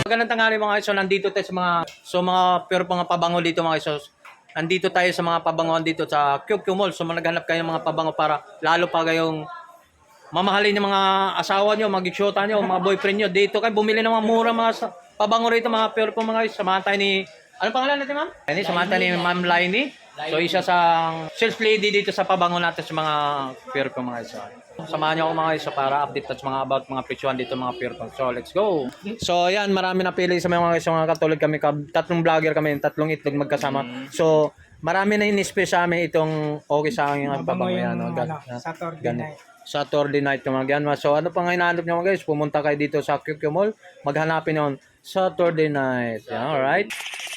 Magandang tanghali mga iso, nandito tayo sa mga pero mga pabango dito mga iso. Nandito tayo sa mga pabangoan dito sa QQ Mall. So naghanap kayo ng mga pabango para lalo pa kayong mamahalin ng mga asawa nyo, mag-isyota nyo, mga boyfriend nyo. Dito kayo bumili ng mga mura pabango rito mga pero po mga iso. Samahan tayo ni, ano pangalan natin ma'am? Samahan tayo ni Ma'am Lainey. So isa sa sales lady dito sa pabango natin sa mga pero po mga iso. Samahan niyo ako mga isa para update at mga about mga presyohan dito mga Purple. So let's go. So ayan, marami na pili sa mga isa mga katulad kami, tatlong vlogger kami, tatlong itlog magkasama. So marami na in-space sa amin itong okay sa akin ang pabango yan. Saturday night yung mga yan. So ano pang hinahanap niyo mga guys? Pumunta kayo dito sa QQ Mall, maghanapin yon Saturday night. Yeah, alright.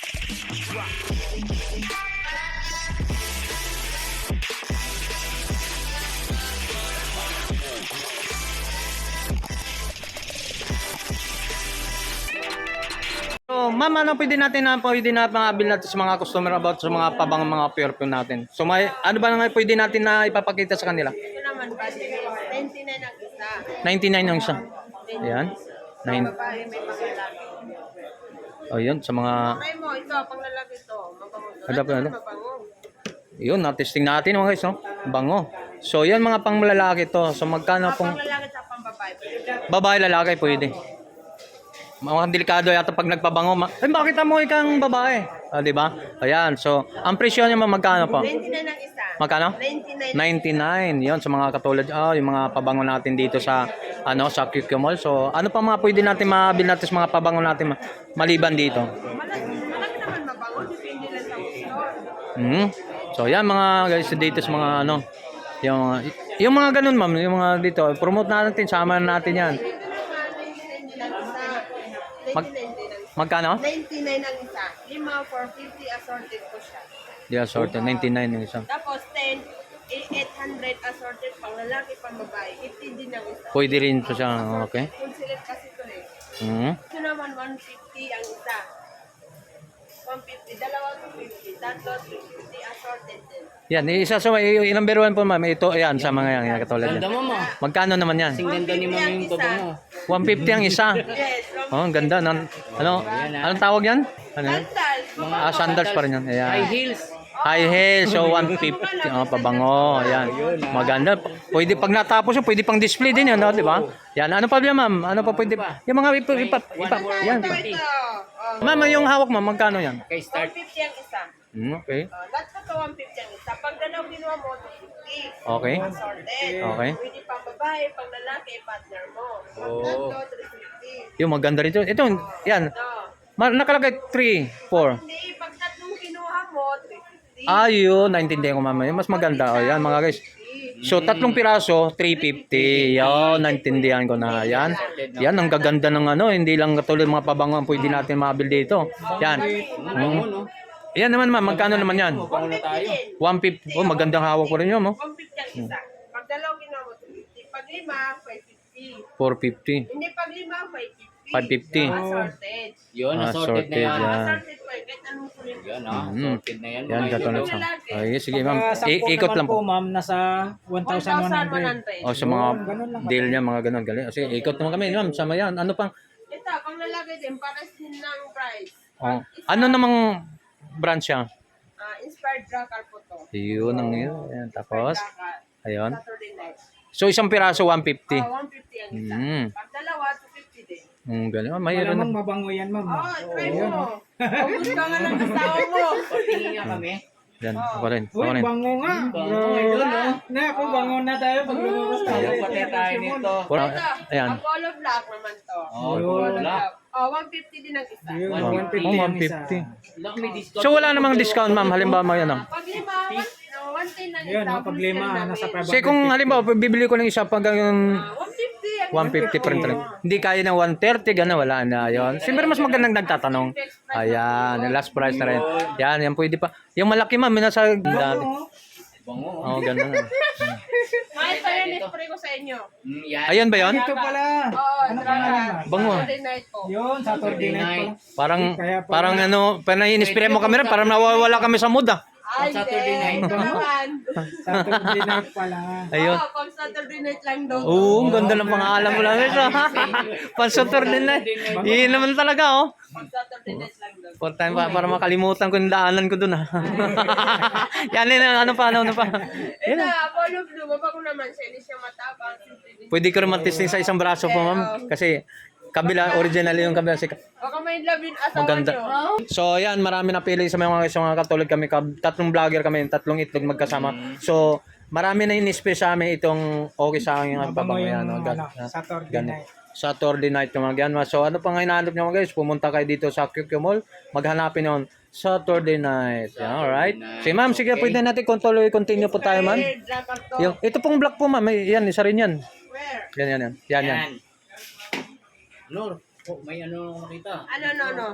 So, ma'am, ano pwede natin maabil natin sa mga customer about sa mga pabang mga perfume natin? So, may, ano ba nga pwede natin na ipapakita sa kanila? Ito naman ba, 99 ang isa. 99 ang isa. Ayan. May babae, may panglalaki. Oh, yun, sa mga... Try mo, ito, panglalaki ito. Mabango ito. Ano pa, ano? Mabango. Yun, na-testing natin mga guys, no? Bango. So, yan mga panglalaki to. So, magkano pong... Panglalaki at pangbabae. Babae, lalaki, pwede. Mga delikado yata pag nagpabango. Bakit mo ikang babae? Di ba? Ayan. So, ang presyo niya magkano po? 99 ang isa. Magkano? 99. 99. 'Yon sa mga katulad yung mga pabango natin dito sa sa QQ Mall. So, ano pa mga pwede natin mabil natin sa mga pabango natin maliban dito? Malaki naman mabango. Depende lang sa gusto. So, yan mga guys dito sa mga yung mga ganun ma'am, yung mga dito, promote natin, sama natin yan. Magkano? 99 ang isa. 5 for 50 assorted ko siya. Yeah, assorted. 99 yung isa. Tapos 10, 800 assorted pang lalaki, pang babae. 50 din ang isa. Pwede rin po siya. Okay. Full select kasi ito eh. Mm-hmm. Ito naman 150 ang isa. 150, dalawa 250, tatlo 350 assorted din. Yan, isa sa yung number 1 po ma'am. Ito, ayan, sa mga yan, katulad yan. Magkano naman yan? 150 ang isa. 150 ang isa. Yes, Oh, ang ganda. Anong tawag yan? Ano yan? sandals. Sandals pa rin yan. Ayan. High heels. High heels, so 150. Pabango. Ayan. Maganda. Pwede, pag natapos yun, pwede pang display din yan, no? Di ba? Yan. Ano pa yan, ma'am? Ano pa pwede? Yung mga yan. Ito. Ma'am, yung hawak mo, magkano yan? Okay, start. 150 ang isa. Okay. Lahat ko to 150 ang isa. Pag dalaw ginawa mo, 250. Okay. Assorted. Okay. Pwede pang babae, pang lalaki, partner mo. Pag tatlo, 350. Yung maganda rito. Ito, yan. Ito. Nakalagay 3, 4. Hindi, pag tatlong kinuha mo, 350. Ayun, naintindihan ko mama. Yung mas maganda. O yan mga guys. So, tatlong piraso, 350. Yan, naintindihan ko na. Yan. Yan, ang gaganda ng hindi lang katulad mga pabango ang pwede natin mabil dito. Yan. Yan naman ma'am, magkano naman yan? 150 din. 150. Oh, magandang hawak ko rin yun, oh. 150 ang isa. Pag dalaw ginawa mo, 250. Pag lima, 550. 450. Hindi, pag lima, 550. 550. Assorted. Yun, assorted na yan. Yan. Assorted po, kahit anong kulit. Yan, assorted na yan. Yan, mga katulad idol. sa. Ay, sige ma'am. Ikot lang po. ma'am, nasa 1,100. 1,100. O sa mga deal niya, mga ganun. Galing. Sige, ikot naman kami, ma'am. Sama yan. Ano pang? Ito, pang lalaki din, pares din ng price. Oh. Ano namang brand siya? Inspired Dracar po to. Yun ang yun. Ayan, tapos, Dracar. ayun. Saturday night. So, isang piraso, 150. 150 ang isa. Pag dalawa, 250 din. Galing. Mayroon Malamang na. mabango yan, ma'am. Try mo. Ubus ka nga ng asawa mo. Patingin nga kami. Yan, ako rin. Uy, Ako rin. bango nga. Na, kung bango na tayo pag lumabas tayo. Ayaw pati tayo nito. Ayan. Ang color black naman to. Oh, wala. 150 din ang isa. Yun, Oh, 150 ang isa. 150. Look, may discount. So, wala namang discount, ma'am. Halimbawa, ano. Pag lima, 110 ang Yun, isa. pag lima, nasa 550. Kasi kung halimbawa, bibili ko ng isa pag yung 150 ang 150 pa rin talaga. Hindi kaya ng 130, gano'n, wala na yun. Siyempre, mas magandang nagtatanong. Ayan, yung last price na rin. Yan pwede pa. Yung malaki, ma'am, yung nasa dati. Bango. Oo, gano'n. Mahal pa yan, spray ko sa inyo. Yan. Ayun ba yun? Ito pala. Oo, Dracar. Bango. Saturday night po. Yun, Saturday night pala. Parang in-spray mo kami rin, parang nawawala kami sa mood, ah. Ay, Saturday night. Ito naman. Saturday night pala. Ayun. Oo, pag Saturday night lang daw. Oo, ang ganda ng pangalan mo lang. Pansutor din na. Yun naman talaga, oh. Pag Saturday night lang daw. For time para makalimutan ko yung daanan ko dun, ha. Yan, ano pa. Eh na, Apollo Blue, baba ko naman siya. Hindi siya matapang. Pwede ko rin mag-testing sa isang braso po, ma'am. Kasi kabila, original yung kabila. Baka may labin asawa Maganda. nyo. So, yan, marami napili sa mga katulad kami. Tatlong vlogger kami, tatlong itlog magkasama. So, marami na in-space sa amin itong okay sa akin yung pabango yan. No? Saturday night. Saturday night yung mga ganun. So, ano pang hinahanap nyo mga guys? Pumunta kayo dito sa QQ Mall. Maghanapin yun. Saturday night. Yan, alright. Si ma'am, sige, pwede natin continue po tayo, ma'am. Where? Jacket to. Yung, ito pong black po, ma'am. Yan, isa rin yan. Where? Yan. Yan. Lord, oh, may ano nakita. No.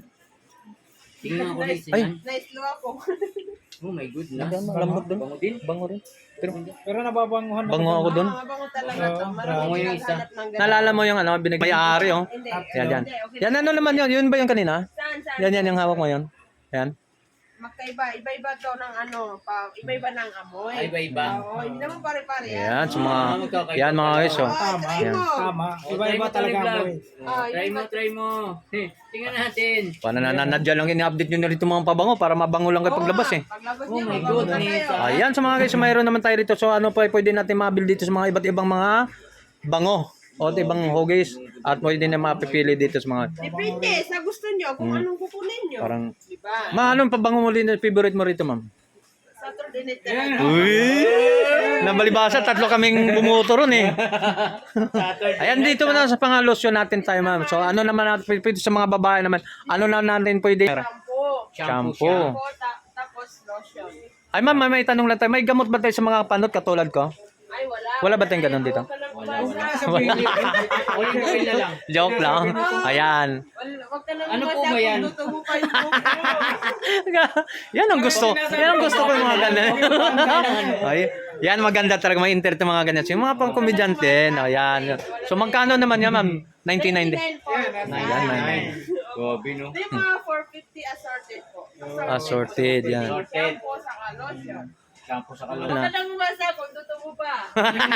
Tingnan ko Nice. rin Ay. siya. Nice look ako. Oh my goodness. Lambot dun. Bango din. Bango rin. Pero nababanguhan Bango ako dun. Mabango talaga to. Marami Bango yung isa. naghanap ng ganun. Naalala mo yung ano, may-ari, oh. Hindi. Yan. Hindi, okay. Yan, ano naman yun? Yun ba yung kanina? Saan? Yan yung hawak mo yun. Yan. Magkaiba. Iba-iba to ng ano. Iba-iba ng amoy. Ay, iba. Oo, hindi naman pare-pare yan. Yan, sa mga, yan mga guys, oh. Tama. Try mo. Tama. Iba-iba talaga ang buhay. Try mo. Tingnan natin. Paano nananadya lang ini-update nyo na rito mga pabango para mabango lang kayo paglabas, eh. Paglabas Oh niya, my mabango na goodness. kayo. Ayan, sa mga guys, mayroon naman tayo dito. So, ano pa, pwede natin mabil dito sa mga iba't ibang mga bango. O ibang huggies. At pwede na mapipili dito sa mga, Depende sa gusto nyo kung anong kukunin nyo. parang, Diba? anong pabango mo rin, favorite mo rito, ma'am? Saturday night talaga. Uy! Nabalibasa, tatlo kaming bumuto ron, eh. Ayan, dito na sa pang-lotion natin tayo, ma'am. So, ano naman natin, pwede sa mga babae naman, ano na natin pwede? Shampoo. Shampoo. Shampoo, tapos lotion. Ay, ma'am, may tanong lang tayo. May gamot ba tayo sa mga panot katulad ko? Ay, wala. Wala ba tayong ganun dito? Wala. Olive oil na lang. Joke lang. Ayan. Wag ka lang Ano po umasa ba yan? kung luto mo pa yung buhok mo. Yan ang gusto. Yan ang gusto ko yung mga ganyan. Ay, yan maganda talaga may internet yung mga ganyan. So, yung mga pang komedyante, ayan. So magkano naman yan, ma'am? 1990. 99 po. Ayan, 99. Grabe, no? Di mga 450 assorted po. Assorted, yan. Shampoo sa lotion. Shampoo sa Wag kalon. ka lang umasa kung luto mo pa.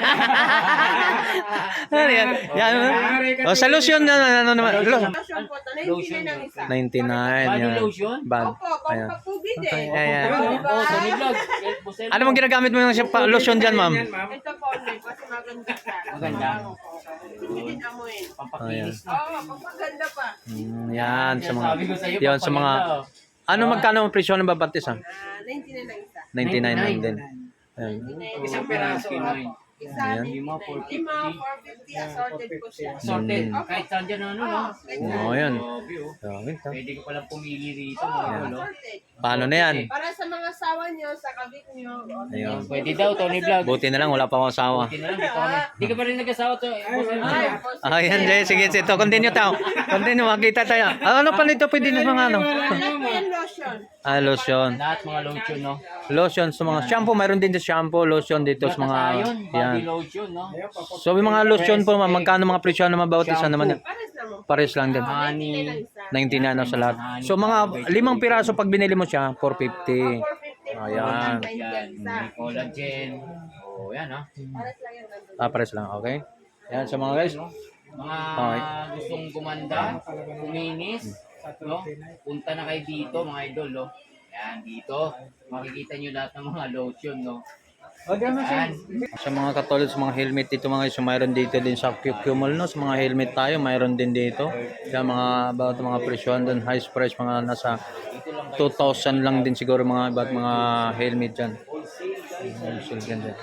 Ano yan? Yan. O, sa lotion na, ano naman? Lotion po, 99 ang isa. 99, Body yan. lotion? Bad. Opo, Ayan. pampapugid eh. Ayan. Diba? Oh, Tony Vlog. Ano mong ginagamit mo yung lotion dyan, ma'am? Ito po, kasi maganda siya. Maganda. Hindi din amoyin. Pampakinis na. Oo, pampaganda pa. Yan, sa mga, Sabi ko sa'yo, yan, sa mga, pampaganda, oh. ano magkano ang presyo ng babatis, ha? 99 ang isa. 99 lang din. Ayan. 99. Isang peraso. Isa, Ayan. 99. Lima, 450 assorted po siya. Sorted. Kahit saan dyan ano, no? Oo, yan. Grabe, oh. Grabe, ha? Pwede ka palang pumili rito. Oo, mga idol, oh. assorted. Paano na yan? Para sa mga sawa nyo, sa kabit nyo. Ayun. Pwede daw, Tony Vlog. Buti na lang, wala pa akong asawa. Buti na lang, dito kami. Di ka pa rin nag-asawa to. Ah, yan, Jay. Sige, ito. Continue tayo. Continue, makita tayo. Ah, ano pa nito? Pwede na mga ano? Lahat po yan lotion. Ah, lotion. Lahat mga lotion, no? Lotion sa mga shampoo. Mayroon din sa shampoo, lotion dito sa mga... Ayun, body Yan. lotion, no? So, yung mga lotion po, ma'am, magkano mga presyo naman bawat isa naman? Pares naman. Pares lang din. Honey. 99 na sa lahat. So, mga 5 piraso pag binili mo siya, 450. 450 po. Ayan. Yan, may collagen. Oh, yan, ha? Pares lang yan nandun. Ah, pares lang. Okay. Yan, so mga guys. Mga Okay. gustong gumanda, kuminis, no? Punta na kayo dito, mga idol, no? Yan, dito. Makikita nyo lahat ng mga lotion, no? Yan. Sa mga katulad sa mga helmet dito mga guys, so mayroon dito din sa QQ Mall, no? Sa mga helmet tayo, mayroon din dito. Kaya mga about mga presyon doon, high price, mga nasa 2,000 lang din siguro mga about mga helmet dyan. Wholesale ganda.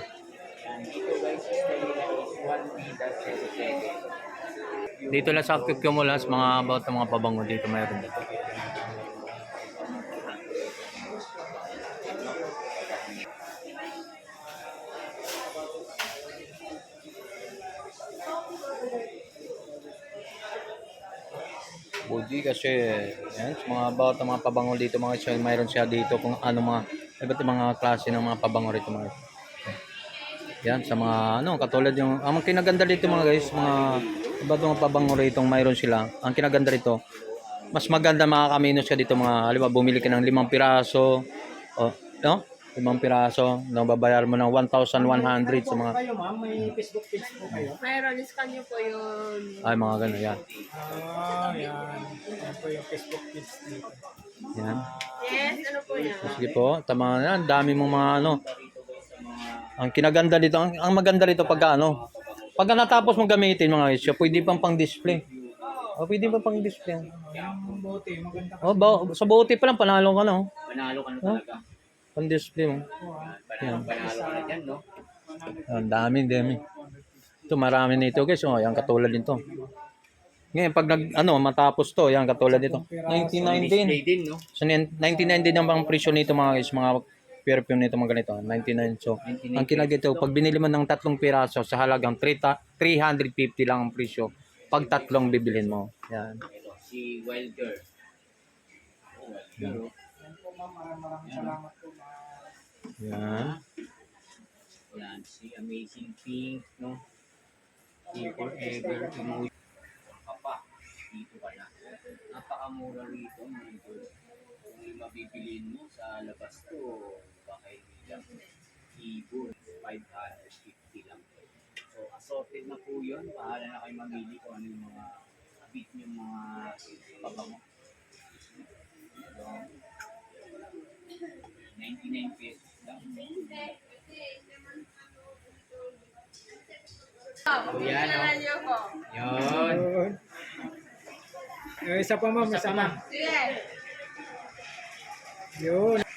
Dito lang sa QQ Mall, ha, sa mga about mga pabango dito, mayroon dito. Budi kasi yan, sa mga about ng mga pabango dito mga siya, mayroon siya dito kung ano mga iba't ibang mga klase ng mga pabango rito mga. Yan sa mga ano katulad yung ang kinaganda dito mga guys, mga iba't mga pabango rito mayroon sila. Ang kinaganda rito, mas maganda makakaminos ka dito mga halimbawa bumili ka ng 5 piraso o No? 5 piraso. No, babayar mo ng 1,100 sa mga Kayo ma'am, may Facebook page po kayo? Mayroon, iskan nyo po yun. ay mga ganun yan. Yan. Yan po yung Facebook page dito. Yan. Yes, ano po yan? Sige po, tama na. Dami mong mga ano. Ang kinaganda dito, ang maganda dito pagka ano. Pagka natapos mong gamitin mga guys, pwede pang pang-display. O, pwede pa pang-display. Yung bote, maganda Oh, sa bote pa lang panalo ka na. Oh. Panalo ka na talaga. Pang-display mo. Panalo ka na dyan, no? Ang dami. Ito marami nito guys. Oh, yan katulad nito. Ngayon pag matapos to, yan katulad nito. 99 din. Display din, no? So 99 din ang presyo nito mga guys, mga perfume nito mga ganito. 99. So 99 ang kinagito pag binili mo ng 3 piraso sa halagang 350 lang ang presyo. Pag 3 bibilhin mo. Yan. Ito, si Wilder. Yan. Yan po ma'am, maraming salamat po ma'am. Yan. Yan, si Amazing Pink, no? Si Forever Emotion. Papa, dito ka na. Napakamura rito, mga idol. Kung yung mabibilin mo sa labas to, baka hindi lang. Ibon, 550 lang. So, assorted na po yun. Bahala na kayo mamili kung ano yung mga bit yung mga pabango. So, 99 pesos lang. So, yan, no? Nyo po. Yun. Yun. Yung isa pa ma'am, isa pa. Sige. Yun.